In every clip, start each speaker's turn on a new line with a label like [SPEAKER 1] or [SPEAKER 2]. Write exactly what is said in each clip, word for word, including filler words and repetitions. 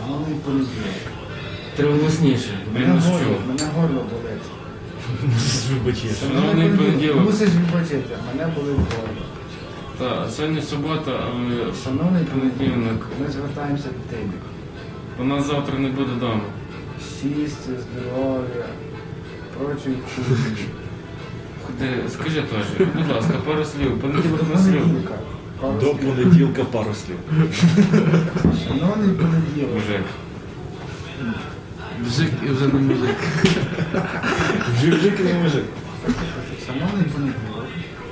[SPEAKER 1] Шановний понеділок.
[SPEAKER 2] Треба голосніше.
[SPEAKER 1] Мене горло, мене горло болить.
[SPEAKER 3] Мусиш вибачити.
[SPEAKER 2] Шановний понеділок.
[SPEAKER 1] Мусиш вибачити, мене болить горло.
[SPEAKER 2] Так, сьогодні субота, але
[SPEAKER 1] Шановний
[SPEAKER 2] понеділок.
[SPEAKER 1] понеділок, ми звертаємося до тебе.
[SPEAKER 2] У нас завтра не буде вдома.
[SPEAKER 1] Щастя, здоров'я, прочої хуйні.
[SPEAKER 2] Куди, скажи теж, будь ласка, пару слів. Понеділок
[SPEAKER 1] До
[SPEAKER 2] на слів.
[SPEAKER 1] понеділка. Пару
[SPEAKER 3] До
[SPEAKER 1] слів.
[SPEAKER 3] понеділка пару слів.
[SPEAKER 1] Шановний понеділок.
[SPEAKER 2] Мужик.
[SPEAKER 4] Мужик і вже не мужик.
[SPEAKER 3] Жик-жик і не мужик.
[SPEAKER 1] Шановний понеділок.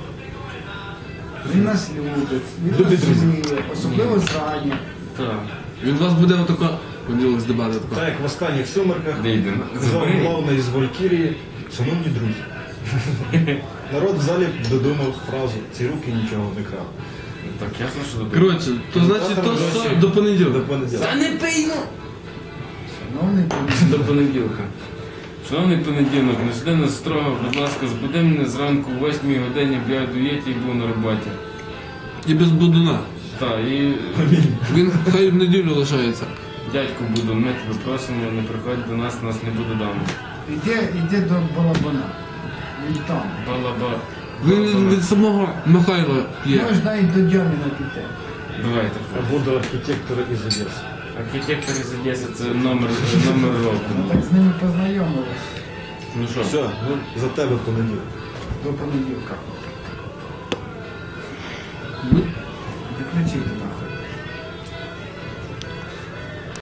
[SPEAKER 1] Він нас любить, він
[SPEAKER 3] Любить
[SPEAKER 1] нас
[SPEAKER 3] друзів.
[SPEAKER 1] розуміє, особливо зрані.
[SPEAKER 2] Так.
[SPEAKER 4] Він у вас буде отако, понеділок здебати
[SPEAKER 3] Так
[SPEAKER 4] тако.
[SPEAKER 3] як в останніх сумерках,
[SPEAKER 2] Дейден.
[SPEAKER 3] казав головний із Валькірії, шановні друзі. Народ в залі додумав фразу, ці руки нічого не крали.
[SPEAKER 2] Так, ясно, що добре.
[SPEAKER 4] Коротше, то значить то що до
[SPEAKER 3] До
[SPEAKER 4] понеділка.
[SPEAKER 3] понеділка.
[SPEAKER 2] Та не пий, ну!
[SPEAKER 1] Шановний понеділок.
[SPEAKER 2] До понеділка. Шановний понеділок, не сиди нас строго, будь ласка, збуди мене зранку о восьмій годині, бо я в дуєті і був на роботі.
[SPEAKER 4] І без будуна.
[SPEAKER 2] Так, і
[SPEAKER 4] Він хай в неділю лишається.
[SPEAKER 2] дядьку буду, ми тебе просимо, не приходь до нас, нас не буде вдома.
[SPEAKER 1] Іди, іди до балабана. Він там.
[SPEAKER 2] Балаба.
[SPEAKER 4] Він від самого Михайла п'є.
[SPEAKER 1] Можна і до Дьоміна піти.
[SPEAKER 2] Давайте.
[SPEAKER 3] Або до архітектора із Одеси.
[SPEAKER 2] Архітектор із Одеси це номер, номер
[SPEAKER 1] Ми
[SPEAKER 2] року.
[SPEAKER 1] так з ними познайомились
[SPEAKER 2] Ну що?
[SPEAKER 3] Все, ну за тебе понеділок.
[SPEAKER 1] до понеділка.
[SPEAKER 4] Ну,
[SPEAKER 1] Виключити.